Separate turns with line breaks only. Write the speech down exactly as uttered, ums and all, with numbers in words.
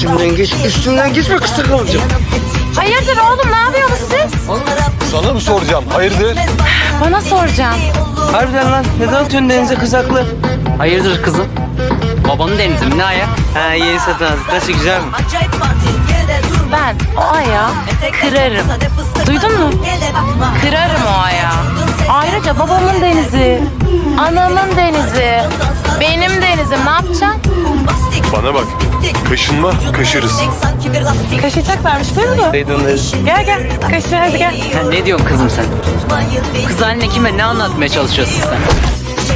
üstümden geç, üstümden geçme kısa kalacağım.
Hayırdır oğlum, ne yapıyorsunuz siz?
Sana mı soracağım? Hayırdır?
Bana soracağım.
Harbiden lan, neden atıyorsun denize kızaklı?
Hayırdır kızım? Babanın denizi mi ne aya?
Ha, yeni satın aldık. Nasıl, güzel mi?
Ben o ayağı kırarım. Duydun mu? Kırarım o ayağı. Ayrıca babamın denizi, anamın denizi, benim denizim. Ne yapacaksın?
Bana bak. Kaşınma, kaşırız.
Kaşıyacaklarmış değil mi?
Duydunuz.
Gel gel, kaşı hadi gel.
Sen ne diyorsun kızım sen? Kız haline kime ne anlatmaya çalışıyorsun sen?